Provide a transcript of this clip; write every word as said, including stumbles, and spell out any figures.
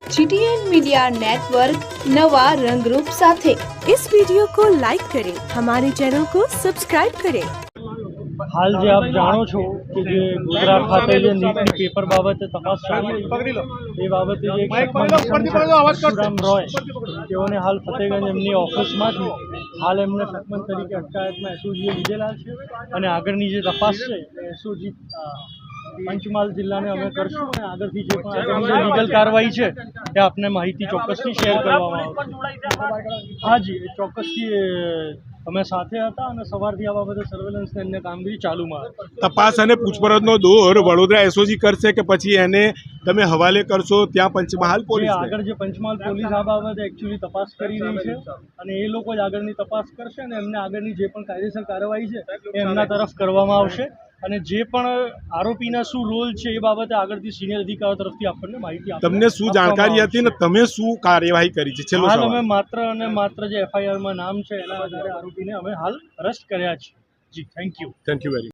GTN media network नवा रंगरूप साथे। इस वीडियो को लाइक करें, हमारे चैनल को सब्सक्राइब करें। हाल जे आप जाणो छो कि जे गुजरात खाते जे नीटनी पेपर बाबते तपास चालू ए बाबते जे एक परशुराम रॉय तेओने हाल फतेहगंज एमनी ऑफिसमांथी हाल एमने सकमन तरीके अटकायतमां एसओजीए લીધેલા છે અને આગળની જે તપાસ છે એસઓજી પંચમહાલ જિલ્લાને અમે કરશું અને આગળથી જે પણ આગળની જે લીગલ કાર્યવાહી છે એ આપને માહિતી ચોક્કસથી શેર કરવામાં આવશે। હાજી ચોક્કસથી અમે સાથે હતા અને સવારથી આ બાબતે સર્વેલન્સ ને અન્ય કામગીરી ચાલુમાં હતી। તપાસ અને પૂછપરછનો દોર વડોદરા એસઓજી કરશે કે પછી એને તમે હવાલે કરશો ત્યાં પંચમહાલ પોલીસ? આગળ જે પંચમહાલ પોલીસ આ બાબતે એકચ્યુઅલી તપાસ કરી રહી છે અને એ લોકો જ આગળની તપાસ કરશે અને એમને આગળની જે પણ કાયદેસર કાર્યવાહી છે એ એમના તરફ કરવામાં આવશે અને જે પણ આરોપીના શું રોલ છે એ બાબતે આગળથી સિનિયર અધિકારીઓ તરફથી આપણને માહિતી આપશે। તમને શું જાણકારી હતી ને તમે શું કાર્યવાહી કરી છે? છેલ્લો હાલ સવાલ। અમે માત્ર અને માત્ર જે એફઆઈઆરમાં નામ છે એના આધારે આરોપીને અમે હાલ અરેસ્ટ કર્યા છે। જી thank you thank you very